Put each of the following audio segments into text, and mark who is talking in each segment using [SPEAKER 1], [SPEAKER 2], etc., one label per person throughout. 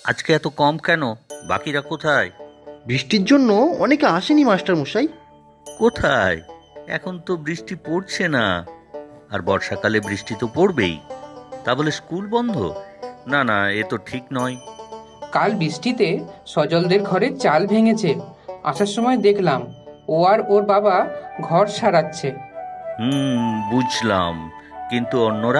[SPEAKER 1] আজকে এত কম কেন? বাকিরা কোথায়?
[SPEAKER 2] বৃষ্টির জন্য অনেকে আসেনি মাস্টার মশাই।
[SPEAKER 1] কোথায়? এখন তো বৃষ্টি পড়ছে না। আর বর্ষাকালে বৃষ্টি তো পড়বেই। তা বলে স্কুল বন্ধ? না না, এ তো ঠিক নয়।
[SPEAKER 3] কাল বৃষ্টিতে সজলদের ঘরে চাল ভেঙেছে। আসার সময় দেখলাম ও আর ওর বাবা ঘর সারাচ্ছে।
[SPEAKER 1] বুঝলাম। কিন্তু অন্যরা?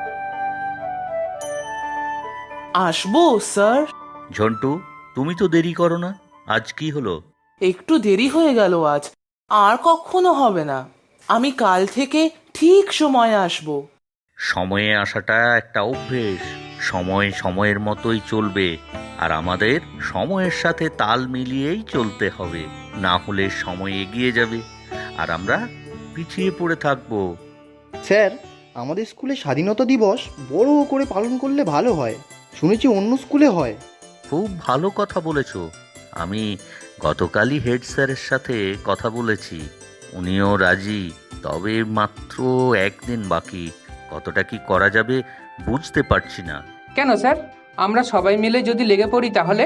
[SPEAKER 4] আসবো স্যার।
[SPEAKER 1] ঝন্টু, তুমি তো দেরি করো না। আজ কি হলো?
[SPEAKER 4] একটু দেরি হয়ে গেল আজ, আর কখনো হবে না। আমি কাল থেকে ঠিক সময়ে আসবো।
[SPEAKER 1] সময়ে আসাটা একটা অভ্যেস। সময় সময়ের মতোই চলবে। আর আমাদের সময়ের সাথে তাল মিলিয়েই চলতে হবে। না হলে সময় এগিয়ে যাবে আর আমরা পিছিয়ে পড়ে থাকবো।
[SPEAKER 2] স্যার, আমাদের স্কুলে স্বাধীনতা দিবস বড় করে পালন করলে ভালো হয়। শুনেছি অন্য স্কুলে হয়।
[SPEAKER 1] খুব ভালো কথা বলেছ। আমি গতকালই হেড স্যারের সাথে কথা বলেছি। উনিও রাজি। তবে মাত্র একদিন বাকি। কতটা কি করা যাবে বুঝতে পারছি না।
[SPEAKER 3] কেন স্যার, আমরা সবাই মিলে যদি লেগে পড়ি তাহলে?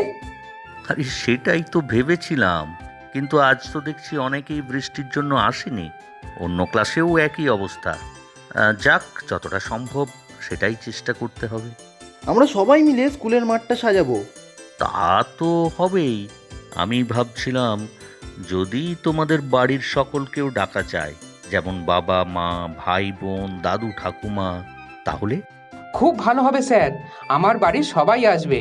[SPEAKER 1] আরে সেটাই তো ভেবেছিলাম। কিন্তু আজ তো দেখছি অনেকেই বৃষ্টির জন্য আসেনি। অন্য ক্লাসেও একই অবস্থা। যাক, যতটা সম্ভব সেটাই চেষ্টা করতে হবে।
[SPEAKER 2] আমরা সবাই মিলে স্কুলের মাঠটা সাজাবো।
[SPEAKER 1] তা তো হবেই। আমি ভাবছিলাম যদি তোমাদের বাড়ির সকলকেও ডাকা যায়, যেমন বাবা মা, ভাই বোন, দাদু ঠাকুমা, তাহলে
[SPEAKER 3] খুব ভালো হবে স্যার, আমার বাড়ির সবাই আসবে।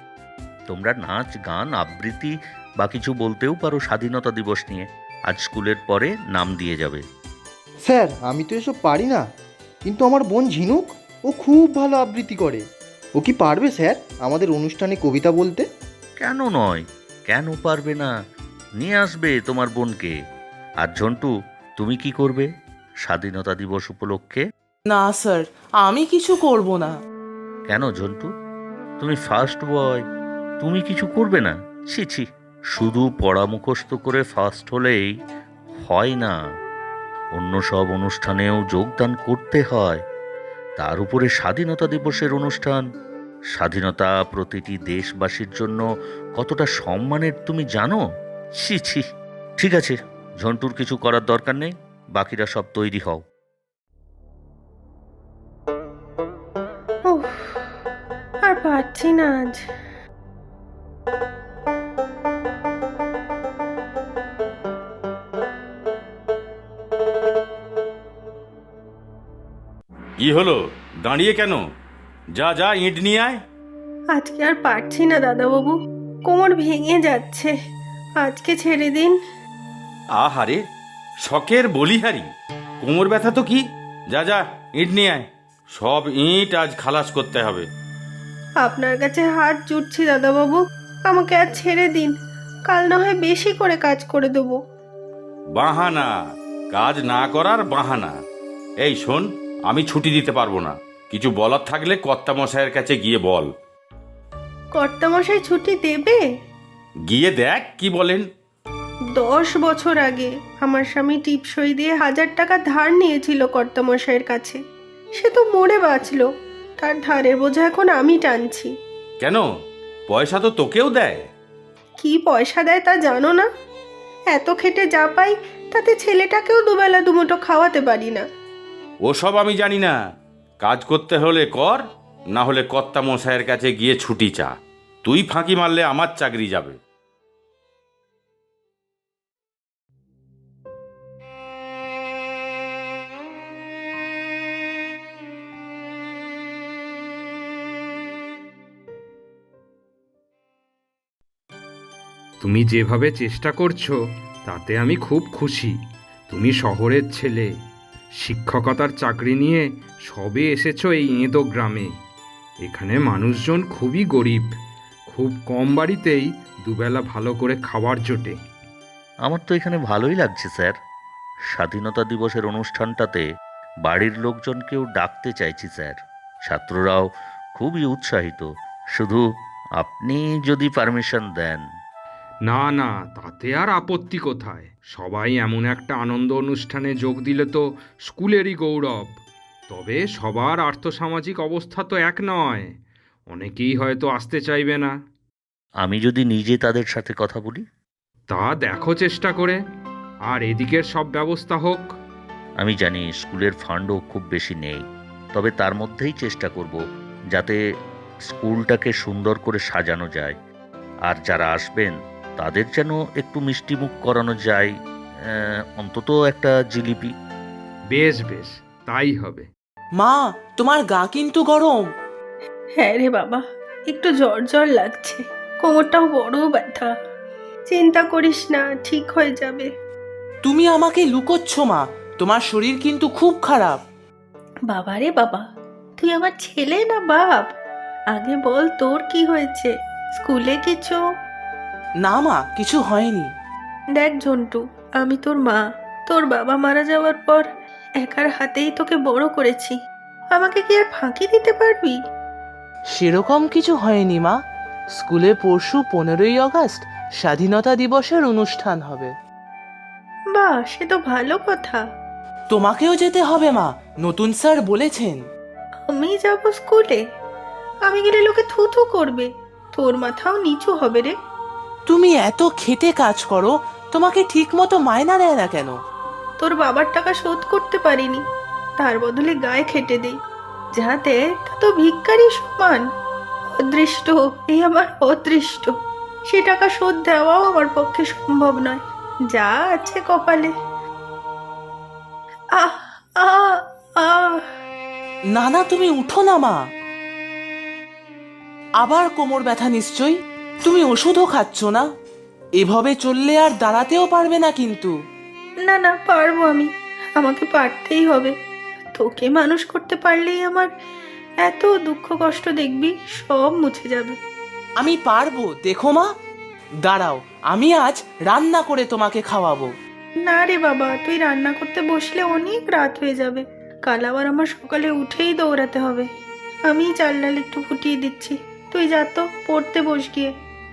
[SPEAKER 1] তোমরা নাচ গান আবৃত্তি বা কিছু বলতেও পারো স্বাধীনতা দিবস নিয়ে। আজ স্কুলের পরে নাম দিয়ে যাবে।
[SPEAKER 2] স্যার, আমি তো এসব পারি না, কিন্তু আমার বোন ঝিনুক, ও খুব ভালো আবৃত্তি করে। ও কি পারবে স্যার আমাদের অনুষ্ঠানে কবিতা বলতে?
[SPEAKER 1] কেন নয়? কেন পারবে না? নিয়ে আসবে তোমার বোনকে। আর ঝন্টু, তুমি কি করবে স্বাধীনতা দিবস উপলক্ষে?
[SPEAKER 4] না স্যার, আমি কিছু করব না।
[SPEAKER 1] কেন ঝন্টু? তুমি ফার্স্ট বয়, তুমি কিছু করবে না? ছি ছি, শুধু পড়া মুখস্থ করে ফার্স্ট হলেই হয় না। অন্য সব অনুষ্ঠানেও যোগদান করতে হয়। তার উপরে স্বাধীনতা দিবসের অনুষ্ঠান। স্বাধীনতা প্রতিটি দেশবাসীর জন্য কতটা সম্মানের তুমি জানো? ছি ছি। ঠিক আছে, ঝন্টুর কিছু করার দরকার নেই। বাকিরা সব তৈরি হও।
[SPEAKER 5] উফ, আর পারছি না আজ।
[SPEAKER 6] কি হলো? দাঁড়িয়ে কেন? যা যা, ইঁট নিয়ে আয়।
[SPEAKER 5] আজকে আর পারছি না দাদাবাবু, কোমর ভেঙে যাচ্ছে। আজকে ছেড়ে দিন।
[SPEAKER 6] আহারে, শখের বলিহারি, কোমর ব্যথা তো কি? যা যা, ইঁট নিয়ে আয়। সব ইঁট আজ খালাস করতে হবে।
[SPEAKER 5] আপনার কাছে হাত জুটছি দাদাবাবু, আমাকে আর ছেড়ে দিন। কাল না হয় বেশি করে কাজ করে দেবো।
[SPEAKER 6] বাহানা, কাজ না করার বাহানা। এই শোন, আমি ছুটি দিতে পারবো না। কিছু বলার থাকলে কর্তামশাইয়ের কাছে গিয়ে বল।
[SPEAKER 5] কর্তামশাই ছুটি দেবে?
[SPEAKER 6] গিয়ে দেখ কি বলেন।
[SPEAKER 5] 10 বছর আগে আমার স্বামী টিপসই দিয়ে 1000 টাকা ধার নিয়েছিল কর্তামশাইয়ের কাছে। সে তো মরে বাঁচলো, তার ধারের বোঝা এখন আমি টানছি।
[SPEAKER 6] কেন? পয়সা তো তোকেও দেয়।
[SPEAKER 5] কি পয়সা দেয় তা জানো না? এত খেটে যা পাই তাতে ছেলেটাকেও দুবেলা দুমুঠো খাওয়াতে পারি না।
[SPEAKER 6] ওসব আমি জানি না। কাজ করতে হলে কর, না হলে কর্তামশাইয়ের কাছে গিয়ে ছুটি চা। তুই ফাঁকি মারলে আমার চাকরি যাবে।
[SPEAKER 7] তুমি যেভাবে চেষ্টা করছো তাতে আমি খুব খুশি। তুমি শহরের ছেলে, শিক্ষকতার চাকরি নিয়ে সবে এসেছো এই এঁদো গ্রামে। এখানে মানুষজন খুবই গরিব, খুব কম বাড়িতেই দুবেলা ভালো করে খাবার জোটে।
[SPEAKER 1] আমার তো এখানে ভালোই লাগছে স্যার। স্বাধীনতা দিবসের অনুষ্ঠানটাতে বাড়ির লোকজনকেও ডাকতে চাইছি স্যার। ছাত্ররাও খুবই উৎসাহিত। শুধু আপনি যদি পারমিশন দেন।
[SPEAKER 7] না না, তাতে আর আপত্তি কোথায়? সবাই এমন একটা আনন্দ অনুষ্ঠানে যোগ দিলে তো স্কুলেরই গৌরব। তবে সবার আর্থসামাজিক অবস্থা তো এক নয়, অনেকেই হয়তো আসতে চাইবে না।
[SPEAKER 1] আমি যদি নিজে তাদের সাথে কথা বলি?
[SPEAKER 7] তা দেখো চেষ্টা করে, আর এদিকের সব ব্যবস্থা হোক।
[SPEAKER 1] আমি জানি স্কুলের ফান্ডও খুব বেশি নেই, তবে তার মধ্যেই চেষ্টা করব যাতে স্কুলটাকে সুন্দর করে সাজানো যায়, আর যারা আসবেন তাদের যেন একটু মিষ্টিমুখ করানো যায়, অন্তত একটা জিলিপি।
[SPEAKER 7] বেশ বেশ, তাই হবে।
[SPEAKER 4] মা, তোমার গা কিন্তু গরম।
[SPEAKER 5] হ্যাঁ রে বাবা, একটু জ্বর জ্বর লাগছে, কোমরটাও বড় ব্যথা। চিন্তা করিস না, ঠিক হয়ে যাবে।
[SPEAKER 4] তুমি আমাকে লুকোচ্ছ মা, তোমার শরীর কিন্তু খুব খারাপ।
[SPEAKER 5] বাবা রে বাবা, তুই আমার ছেলে না বাপ? আগে বল তোর কি হয়েছে? স্কুলে কিছু?
[SPEAKER 4] না মা, কিছু হয়নি।
[SPEAKER 5] দেখ ঝন্টু, আমি তোর মা। তোর বাবা মারা যাওয়ার পর একার হাতেই তোকে বড় করেছি। আমাকে কি আর ফাঁকি দিতে পারবি?
[SPEAKER 4] সেরকম কিছু হয়নি মা। স্কুলে পরশু 15ই আগস্ট স্বাধীনতা দিবসের অনুষ্ঠান হবে।
[SPEAKER 5] বাহ, সে তো ভালো কথা।
[SPEAKER 4] তোমাকেও যেতে হবে মা, নতুন স্যার বলেছেন।
[SPEAKER 5] আমি যাব স্কুলে? আমি গেলে লোকে থু থু করবে, তোর মাথাও নিচু হবে রে।
[SPEAKER 4] তুমি এত খেটে কাজ করো, তোমাকে ঠিক মতো মায়না দেয় না কেন?
[SPEAKER 5] তোর বাবার টাকা শোধ করতে পারিনি, তার বদলে গায়ে খেটে দেই, যাতে তা তো ভিক্ষারি সমান। অদৃষ্ট, এই আমার অদৃষ্ট। সে টাকা শোধ দেওয়াও আমার পক্ষে সম্ভব নয়, যা আছে কপালে। আহ আহ আহ
[SPEAKER 4] না না, তুমি উঠো না মা। আবার কোমর ব্যথা নিশ্চয়ই। তুমি ওষুধও খাচ্ছ না? এভাবে চললে আর দাঁড়াতেও পারবে না কিন্তু।
[SPEAKER 5] না না, পারবো আমি, আমাকে পারতেই হবে। তোকে মানুষ করতে পারলেই আমার এত দুঃখ কষ্ট দেখবি সব মুছে যাবে।
[SPEAKER 4] আমি পারবো, দেখো মা। দাঁড়াও, আমি আজ রান্না করে তোমাকে খাওয়াবো।
[SPEAKER 5] না রে বাবা, তুই রান্না করতে বসলে অনেক রাত হয়ে যাবে। কাল আবার আমার সকালে উঠেই দৌড়াতে হবে। আমি চাল ডাল একটু ফুটিয়ে দিচ্ছি, তুই যা তো পড়তে বস গিয়ে।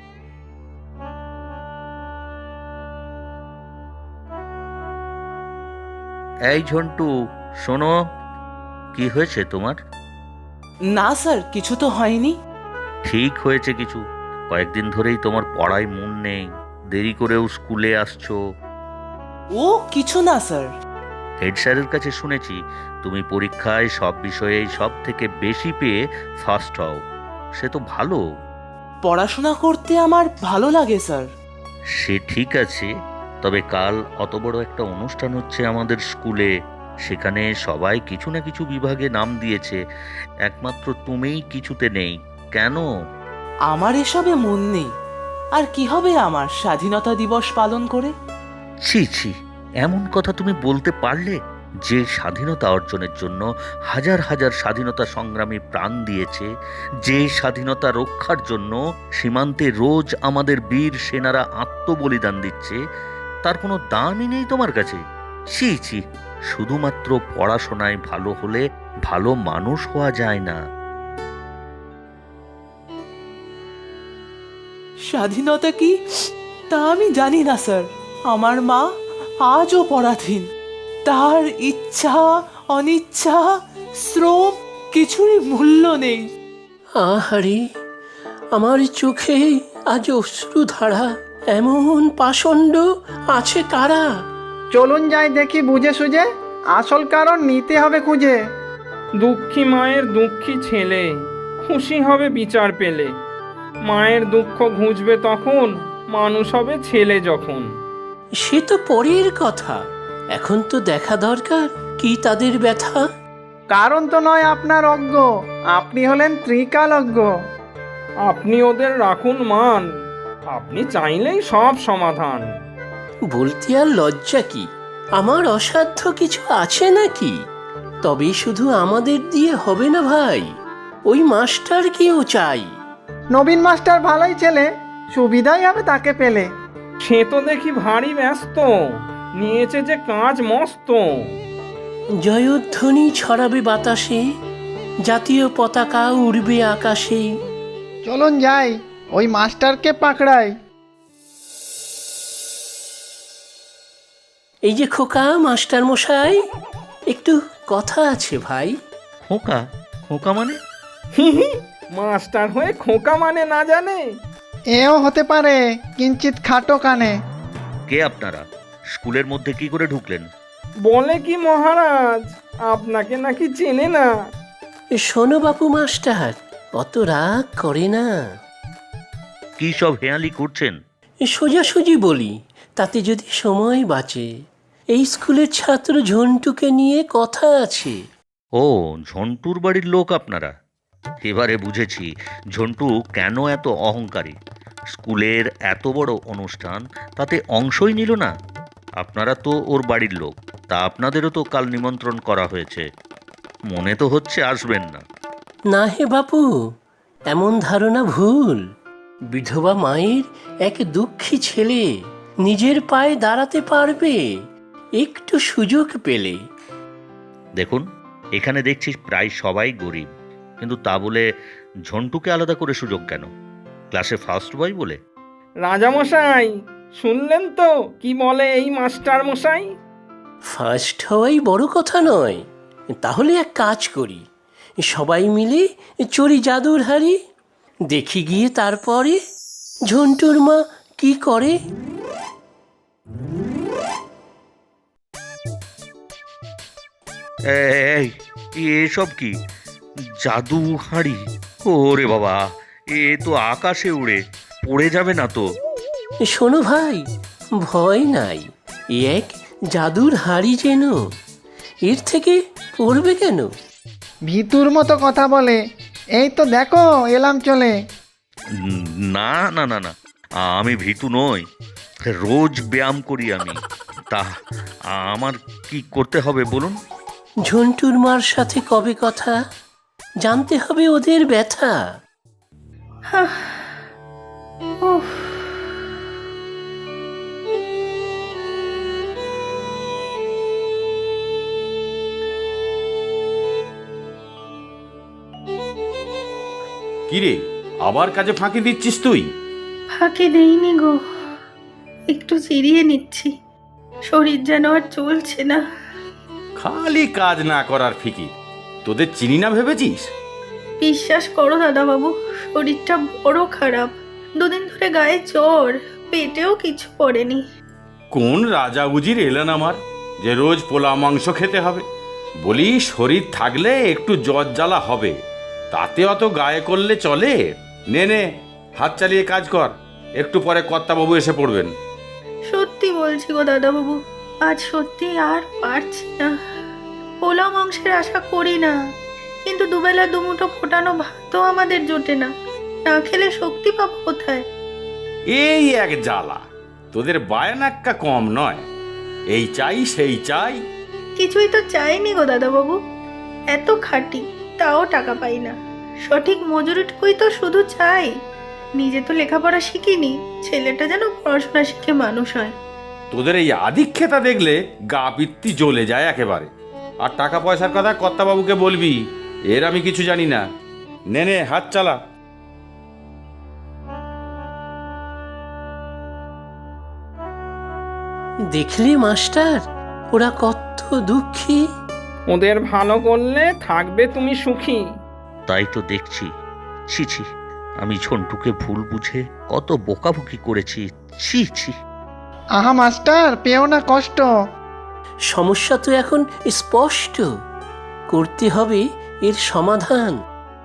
[SPEAKER 1] এই ঝন্টু, শোনো, কি হয়েছে তোমার?
[SPEAKER 4] না স্যার, কিছু তো হয়নি।
[SPEAKER 1] ঠিক হয়েছে কিছু। কয়েকদিন ধরেই তোমার পড়ায় মন নেই, দেরি করেও স্কুলে আসছো।
[SPEAKER 4] ও কিছু না স্যার।
[SPEAKER 1] হেড স্যারের কাছে শুনেছি তুমি পরীক্ষায় সব বিষয়েই সব থেকে বেশি পেয়ে ফার্স্ট হও। সে তো ভালো।
[SPEAKER 4] পড়াশোনা করতে আমার ভালো লাগে স্যার।
[SPEAKER 1] সে ঠিক আছে, তবে কাল অত বড় একটা অনুষ্ঠান হচ্ছে আমাদের স্কুলে। সেখানে সবাই কিছু না কিছু বিভাগে নাম দিয়েছে, একমাত্র তুমিই কিছুতে নেই। কেন?
[SPEAKER 4] আমার এসবে মন নেই। আর কি হবে আমার স্বাধীনতা দিবস পালন করে?
[SPEAKER 1] ছি ছি, এমন কথা তুমি বলতে পারলে? যে স্বাধীনতা অর্জনের জন্য হাজার হাজার স্বাধীনতা সংগ্রামী প্রাণ দিয়েছে, যে স্বাধীনতা রক্ষার জন্য সীমান্তে রোজ আমাদের বীর সেনারা আত্মবলিদান দিচ্ছে, তার কোনো দামই নেই তোমার কাছে? ছি ছি, শুধুমাত্র পড়াশোনায় ভালো হলে ভালো মানুষ হওয়া যায় না।
[SPEAKER 4] স্বাধীনতা কি তা আমি জানি না স্যার। আমার মা আজও পরাধীন। তার ইচ্ছা অনিচ্ছা শ্রম কিছুরই মূল্য নেই।
[SPEAKER 8] আহারে, আমার চোখে আজ অশ্রুধারা। এমন পাষণ্ড আছে কারা?
[SPEAKER 9] চলুন যাই দেখি বুঝে সুঝে, আসল কারণ নিতে হবে খুঁজে।
[SPEAKER 10] দুঃখী মায়ের দুঃখী ছেলে খুশি হবে বিচার পেলে। মায়ের দুঃখ ঘুচবে তখন, মানুষ হবে ছেলে যখন।
[SPEAKER 8] সে তো পরের কথা, এখন তো দেখা দরকার কি তাদের ব্যথা।
[SPEAKER 9] কারণ তো নয় আপনার অজ্ঞ, আপনি হলেন ত্রিকালজ্ঞ।
[SPEAKER 10] আপনি ওদের রাখুন মান, আপনি চাইলেই সব সমাধান।
[SPEAKER 8] বলতে আর লজ্জা কি? আমার অসাধ্য কিছু আছে নাকি? তবে শুধু আমাদের দিয়ে হবে না ভাই, ওই মাস্টারকেও চাই।
[SPEAKER 9] নবীন মাস্টার ভালোই ছেলে, সুবিধাই হবে তাকে পেলে।
[SPEAKER 10] সে তো দেখি ভারী ব্যস্ত, নিয়েছে যে কাজ মস্ত।
[SPEAKER 8] জয়ধ্বনি ছড়াবে বাতাসে, জাতীয় পতাকা উড়বে আকাশে।
[SPEAKER 9] চলুন যাই, ওই মাস্টারকে পাকড়াই।
[SPEAKER 8] এই যে খোকা, মাস্টার মশাই, একটু কথা আছে ভাই।
[SPEAKER 1] খোকা? খোকা মানে?
[SPEAKER 10] মাস্টার হয়ে খোকা মানে না জানে?
[SPEAKER 9] এও হতে পারে, কিঞ্চিত খাটো কানে।
[SPEAKER 1] কে আপনারা? স্কুলের মধ্যে কি করে ঢুকলেন?
[SPEAKER 10] বলে কি মহারাজ, আপনাকে নাকি চেনে না।
[SPEAKER 8] শোনো বাপু মাস্টার, অত রাগ করে না।
[SPEAKER 1] কি সব হেয়ালি করছেন?
[SPEAKER 8] সোজাসুজি বলি, তাতে যদি সময় বাঁচে। এই স্কুলের ছাত্র ঝন্টুকে নিয়ে কথা আছে।
[SPEAKER 1] ও, ঝন্টুর বাড়ির লোক আপনারা। এবারে বুঝেছি ঝন্টু কেন এত অহংকারী। স্কুলের এত বড় অনুষ্ঠান, তাতে অংশই নিল না। আপনারা তো ওর বাড়ির লোক, তা আপনাদেরও তো কাল নিমন্ত্রণ করা হয়েছে। মনে তো হচ্ছে আসবেন না।
[SPEAKER 8] না হে বাপু, এমন ধারণা ভুল। বিধবা মায়ের এক দুঃখী ছেলে নিজের পায়ে দাঁড়াতে পারবে একটু সুযোগ পেলে।
[SPEAKER 1] দেখুন, এখানে দেখছি প্রায় সবাই গরিব, কিন্তু তা বলে ঝন্টুকে আলাদা করে সুযোগ কেন? ক্লাসে ফার্স্ট বয় বলে?
[SPEAKER 10] রাজামশাই, শুনলেন তো কি বলে এই মাস্টার মশাই?
[SPEAKER 8] ফার্স্ট হওয়াই বড় কথা নয়। তাহলে এক কাজ করি, সবাই মিলে চড়ি জাদুর হাড়ি, দেখি গিয়ে তারপরে ঝন্টুর মা কি করে।
[SPEAKER 1] এই, এসব কি? জাদু হাঁড়ি? ওরে বাবা, এ তো আকাশে উড়ে পড়ে যাবে না তো?
[SPEAKER 8] শোনো ভাই, ভয় নাই। এ এক জাদুর হাড়ি যেন, এর থেকে পড়বে কেন?
[SPEAKER 9] ভিতুর মতো কথা বলে। এই তো দেখো এলাম চলে।
[SPEAKER 1] না না না না, আমি ভীতু নই, রোজ ব্যায়াম করি আমি। তা আমার কি করতে হবে বলুন?
[SPEAKER 8] ঝন্টুর মার সাথে কবে কথা, জানতে হবে ওদের ব্যথা।
[SPEAKER 5] উফ,
[SPEAKER 6] কিরে, আবার কাজে ফাঁকি দিচ্ছিস তুই?
[SPEAKER 5] ফাঁকি দেইনি গো, একটু জিরিয়ে নিচ্ছি। শরীর যেন আর চলছে না।
[SPEAKER 6] খালি কাজ না করার ফিকির। তোদের চিনি না ভেবেছিস?
[SPEAKER 5] বিশ্বাস করো দাদাবাবু, শরীরটা বড় খারাপ। দুদিন ধরে গায়ে জ্বর, পেটেও কিছু পড়েনি।
[SPEAKER 6] কোন রাজা উজির এলেন আমার, যে রোজ পোলা মাংস খেতে হবে? বলি, শরীর থাকলে একটু জ্বর জ্বালা হবে, তাতে অত গায়ে করলে চলে? নে নে, হাত চালিয়ে কাজ কর, একটু পরে কর্তাবাবু এসে পড়বেন।
[SPEAKER 5] সত্যি বলছি গো দাদাবাবু, আজ সত্যি আর পারছি না। পোলাও মাংসের আশা করি না, কিন্তু দুবেলা দুমুঠো ফোটানো ভাতও আমাদের জোটে না। না খেলে শক্তি পাবো কোথায়?
[SPEAKER 6] এই এক জ্বালা, তোদের বায়নাক্কা কম নয়। এই চাই সেই চাই।
[SPEAKER 5] কিছুই তো চাইনি গো দাদাবাবু, এত খাটি তাও টাকা পাই না। সঠিক মজুরিটুকুই তো শুধু চাই। নিজে তো লেখাপড়া শিখিনি, ছেলেটা যেন পড়াশোনা শিখে মানুষ হয়।
[SPEAKER 6] তোদের এই আধিক্ষেতা দেখলে গা পিত্তি জ্বলে যায় একেবারে। আর টাকা পয়সার কথা কর্তাবাবুকে বলবি, এর আমি কিছু জানি না। নে নে, হাত চালা।
[SPEAKER 8] দেখলি মাস্টার, ওরা কত দুঃখী।
[SPEAKER 10] ওদের ভালো করলে থাকবে তুমি সুখী।
[SPEAKER 1] তাই তো দেখছি। ছি ছি, আমি ঝন্টুকে ভুল বুঝে কত বোকাবুকি করেছি। ছি ছি।
[SPEAKER 9] আহা মাস্টার, পেও না কষ্ট।
[SPEAKER 8] সমস্যা তো এখন স্পষ্ট, করতে হবে এর সমাধান।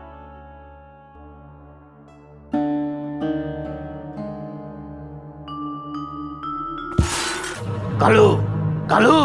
[SPEAKER 8] কালু, কালু!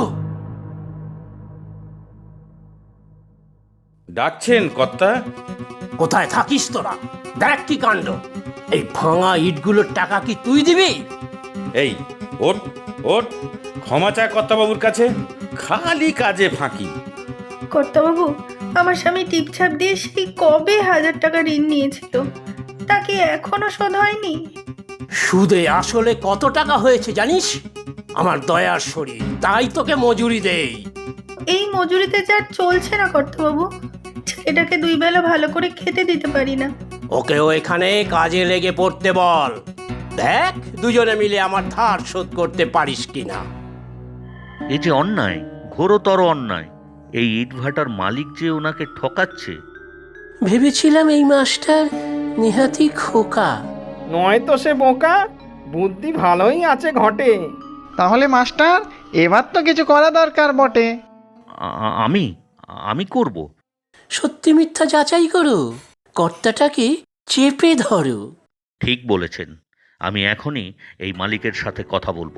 [SPEAKER 6] ডাকছেন কর্তা?
[SPEAKER 8] কোথায় থাকিস তোরা? দেখ কি কাণ্ড! এই ভাঙা ইটগুলোর টাকা কি তুই দিবি?
[SPEAKER 6] এই ওঠ ওঠ, ক্ষমা চা কর্তাবাবুর কাছে। খালি কাজে ফাঁকি।
[SPEAKER 5] কর্তাবাবু, আমার স্বামী টিপছাপ দিয়ে সেই কবে 1000 টাকা ঋণ নিয়েছিল, তাকে এখনো শোধ হয়নি।
[SPEAKER 8] সুদে আসলে কত টাকা হয়েছে জানিস? আমার দয়ার শরীর, তাই তোকে মজুরি দেই।
[SPEAKER 5] এই মজুরিতে যার চলছে না কর্তাবাবু, ছেলেটাকে 2 বেলা ভালো করে খেতে দিতে পারি না।
[SPEAKER 8] ওকেও এখানে কাজে লেগে পড়তে বল। দেখ দুজনে মিলে আমার ধার শোধ করতে পারিস কিনা।
[SPEAKER 1] এই যে অন্যায়, ঘোরতর অন্যায়। এই ইটভাটার মালিক যে ওনাকে ঠকাচ্ছে।
[SPEAKER 8] ভেবেছিলাম এই মাস্টার নেহাতি খোকা।
[SPEAKER 10] নয়তো সে বোকা, বুদ্ধি ভালোই আছে ঘটে।
[SPEAKER 9] তাহলে মাস্টার, এবার তো কিছু করা দরকার বটে।
[SPEAKER 1] আমি আমি করব।
[SPEAKER 8] সত্যি মিথ্যা যাচাই করো, কর্তাটাকে চেপে ধরো।
[SPEAKER 1] ঠিক বলেছেন, আমি এখনই এই মালিকের সাথে কথা বলবো।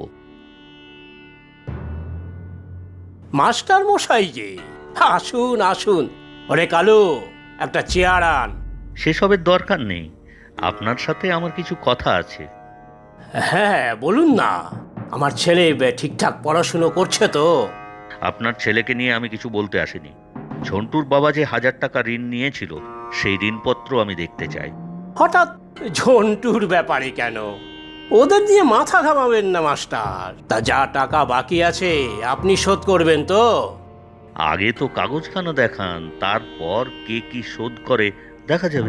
[SPEAKER 8] মাস্টার মশাই যে, আসুন আসুন। ওরে কালু, একটা চেয়ার আন।
[SPEAKER 1] সেসবের দরকার নেই, আপনার সাথে আমার কিছু কথা আছে।
[SPEAKER 8] হ্যাঁ বলুন না। আমার ছেলে ঠিকঠাক পড়াশুনো করছে তো?
[SPEAKER 1] আপনার ছেলেকে নিয়ে আমি কিছু বলতে আসিনি। ঝন্টুর বাবা যে 1000 টাকা ঋণ নিয়েছিল, সেই ঋণপত্র আমি দেখতে চাই।
[SPEAKER 8] হঠাৎ ঝন্টুর ব্যাপারে কেন? ওদের দিয়ে মাথা ঘামাবেন না মাস্টার। তা যা টাকা বাকি আছে আপনি শোধ করবেন তো?
[SPEAKER 1] আগে তো কাগজখানা দেখান, তারপর কে কি শোধ করে দেখা যাবে।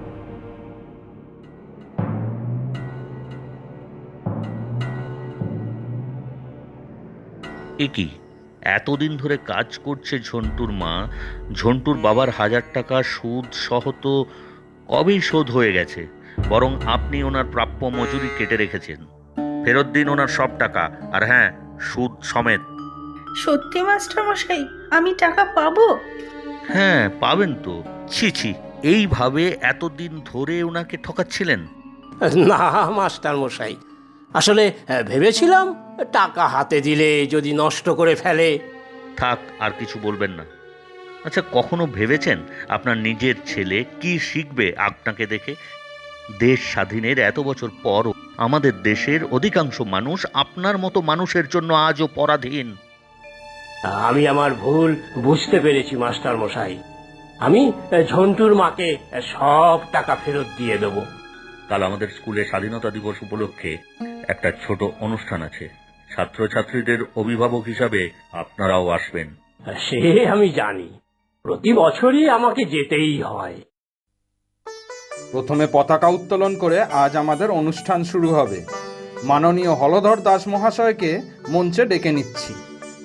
[SPEAKER 1] এ কি, এতদিন ধরে কাজ করছে ঝন্টুর মা, ঝন্টুর বাবার 1000 টাকা সুদ সহ তো কবেই শোধ হয়ে গেছে। বরং আপনি ওনার প্রাপ্য মজুরি কেটে রেখেছেন। ফেরত দিন ওনার সব টাকা, আর হ্যাঁ, সুদ সমেত।
[SPEAKER 5] সত্যি মাস্টার মশাই, আমি টাকা পাবো?
[SPEAKER 1] হ্যাঁ, পাবেন তো। ছি ছি, এইভাবে এতদিন ধরে ওনাকে ঠকাচ্ছিলেন?
[SPEAKER 8] না মাস্টার মশাই, আসলে ভেবেছিলাম টাকা হাতে দিলে যদি নষ্ট করে ফেলে।
[SPEAKER 1] থাক, আর কিছু বলবেন না। আচ্ছা, কখনো ভেবেছেন আপনার নিজের ছেলে কি শিখবে আপনাকে দেখে? দেশ স্বাধীনের এত বছর পরও আমাদের দেশের অধিকাংশ মানুষ আপনার মতো মানুষের জন্য আজও পরাধীন।
[SPEAKER 8] আমি আমার ভুল বুঝতে পেরেছি মাস্টার মশাই। আমি ঝন্টুর মাকে সব টাকা ফেরত দিয়ে দেব।
[SPEAKER 1] কাল আমাদের স্কুলে স্বাধীনতা দিবস উপলক্ষে একটা ছোট অনুষ্ঠান আছে। ছাত্রছাত্রীদের অভিভাবক হিসাবে আপনারাও আসবেন।
[SPEAKER 8] সে আমি জানি, প্রতি বছরই আমাকে যেতেই হয়।
[SPEAKER 7] প্রথমে পতাকা উত্তোলন করে আজ আমাদের অনুষ্ঠান শুরু হবে। মাননীয় হলধর দাস মহাশয়কে মঞ্চে ডেকে নিচ্ছি।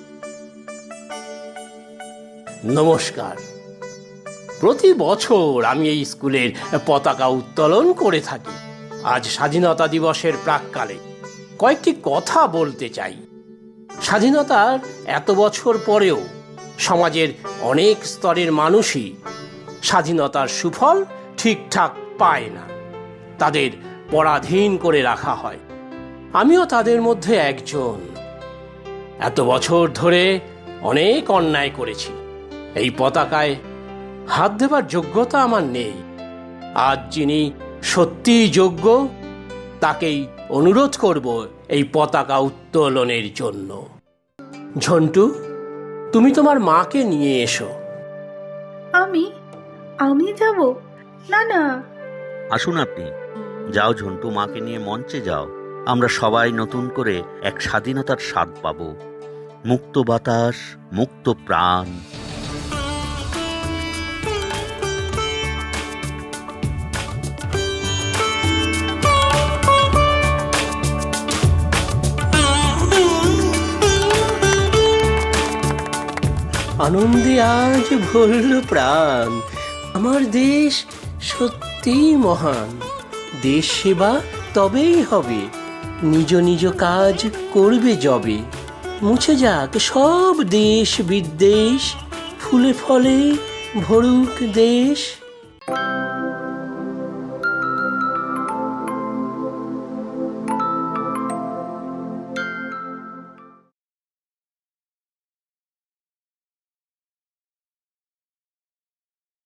[SPEAKER 8] নমস্কার। প্রতি বছর আমি এই স্কুলের পতাকা উত্তোলন করে থাকি। আজ স্বাধীনতা দিবসের প্রাক্কালে কয়েকটি কথা বলতে চাই। স্বাধীনতার এত বছর পরেও সমাজের অনেক স্তরের মানুষই স্বাধীনতার সুফল ঠিকঠাক পায় না। তাদের পরাধীন করে রাখা হয়। আমিও তাদের মধ্যে একজন। এত বছর ধরে অনেক অন্যায় করেছি। এই পতাকায় হাত দেবার যোগ্যতা আমার নেই। আজ যিনি সত্যিই যোগ্য, তাকেই অনুরোধ করব এই পতাকা উত্তোলনের জন্য। ঝন্টু, তুমি তোমার মাকে নিয়ে এসো।
[SPEAKER 5] আমি যাব? না না।
[SPEAKER 1] আসুন আপনি। যাও ঝন্টু, মাকে নিয়ে মঞ্চে যাও। আমরা সবাই নতুন করে এক স্বাধীনতার স্বাদ পাব। মুক্ত বাতাস, মুক্ত প্রাণ।
[SPEAKER 8] আনন্দে আজ ভরল প্রাণ। আমার দেশ সত্যি মহান। দেশ সেবা তবেই হবে, নিজ নিজ কাজ করবে যবে। মুছে যাক সব দেশ বিদ্বেষ, ফুলে ফলে ভরুক দেশ।